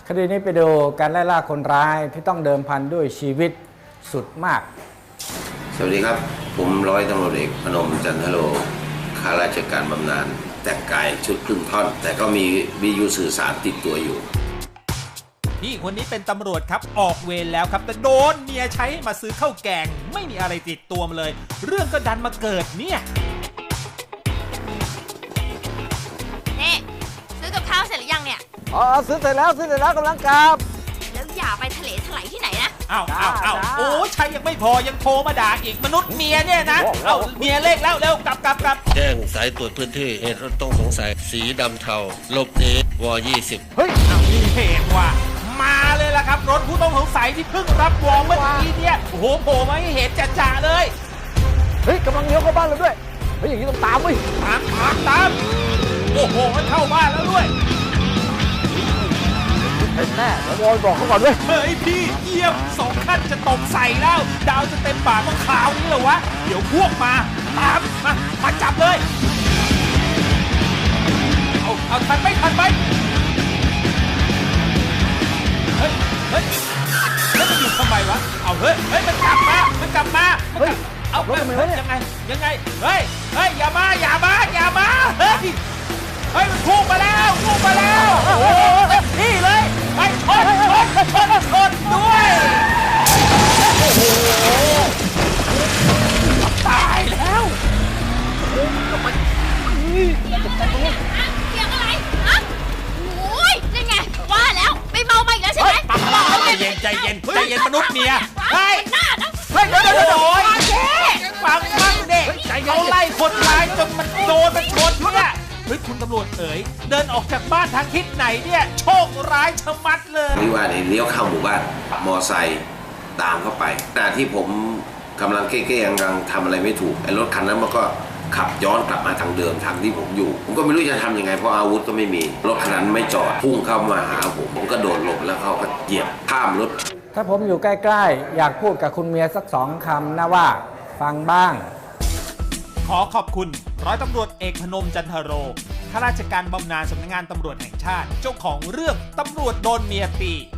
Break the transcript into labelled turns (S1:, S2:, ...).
S1: คดีนี้ไปดูการไล่ล่าคนร้ายที่ต้องเดิมพันด้วยชีวิตสุดมาก
S2: สวัสดีครับผมร้อยตำรวจเอกพนมจันทโรข้าราชการบำนาญแต่งกายชุดครึ่งท่อนแต่ก็มีวิทยุสื่อสารติดตัวอยู่
S3: พี่คนนี้เป็นตำรวจครับออกเวรแล้วครับแต่โดนเมียใช้ให้มาซื้อข้าวแกงไม่มีอะไรติดตัวมาเลยเรื่องก็ดันมาเกิดเนี่ย
S4: นี่ซื้อกับข้าวเสร็จหรือยังเนี่ย
S1: ซื้อเสร็จแล้วกำลังกลับ
S4: แล้วอย่าไปทะเลถลายที่ไหนนะ
S3: อ้าวโอ้ใช้ยังไม่พอยังโทรมาด่าอีกมนุษย์เมียเนี่ยนะเอาเมียเลขแล้วเร็วกลับ
S5: แจ้งสายตรวจพื้นที่เหตุรถต้องสงสัยสีดำเทาหลบหนีว20
S3: เฮ้ยมีเหตุว่ะมาเลยล่ะครับรถผู้ต้องสงสัยที่เพิ่งรับวอร์มเมื่อกี้เนี่ยโอ้โหโผล่มาให้เห็นจ่าเลย
S1: เฮ้ยกำลังเลี้ยวเข้าบ้านเราด้วยเฮ้ยอย่างนี้ต้องตามเว้ย
S3: ตามโอ้โหมันเข้าบ้านแล้วด้วย
S1: แน่เดี๋ยวบอยบอกเขาก่อนด้วย
S3: เฮ้ยพี่เยี่ยม2 ขั้นจะตกใส่แล้วดาวจะเต็มปากต้องขาวนี่เหรอวะเดี๋ยวพวกมาตามมาจับเลยเอาทันไหมเฮ้ยมันอยู่ทำไมวะเอาเฮ้ยมันกลับมาเอายังไงเฮ้ยอย่ามาเฮ้ยมันพุ่งมาแล้วโอ้โหเต็มที่เลยไปชนด้วยโอ้โหตายแล้ว
S4: เกี่ยวอะไรฮะโอ้ยนี่ไงว่าแล้วไปเมามาอีกแล้วใช่ไหม
S3: ใจเย็นมนุษย์เมียเฮ้ย
S4: หน้านะ
S3: เฮ้ยเดี๋ยวฟังเด็กเขาไล่คนร้ายจนมันโดนมันชนเนี่ยเฮ้ยคุณตำรวจเอ๋ยเดินออกจากบ้านทางทิศไหนเนี่ยโชคร้ายชะมัดเลย
S2: วิวาทเลี้ยวเข้าหมู่บ้านมอไซค์ตามเข้าไปขณะที่ผมกำลังเก้ๆยังทำอะไรไม่ถูกไอ้รถคันนั้นมันก็ขับย้อนกลับมาทางเดิมทางที่ผมอยู่ผมก็ไม่รู้จะทำยังไงเพราะอาวุธก็ไม่มีรถคันนั้นไม่จอดพุ่งเข้ามาหาผมก็โดดหลบแล้วเขาก็เหยียบข้ามรถ
S1: ถ้าผมอยู่ใกล้ๆอยากพูดกับคุณเมียสัก2 คำนะว่าฟังบ้าง
S3: ขอขอบคุณร้อยตำรวจเอกพนมจันทโรข้าราชการบำนาญสำนักงานตำรวจแห่งชาติเจ้าของเรื่องตำรวจโดนเมียตี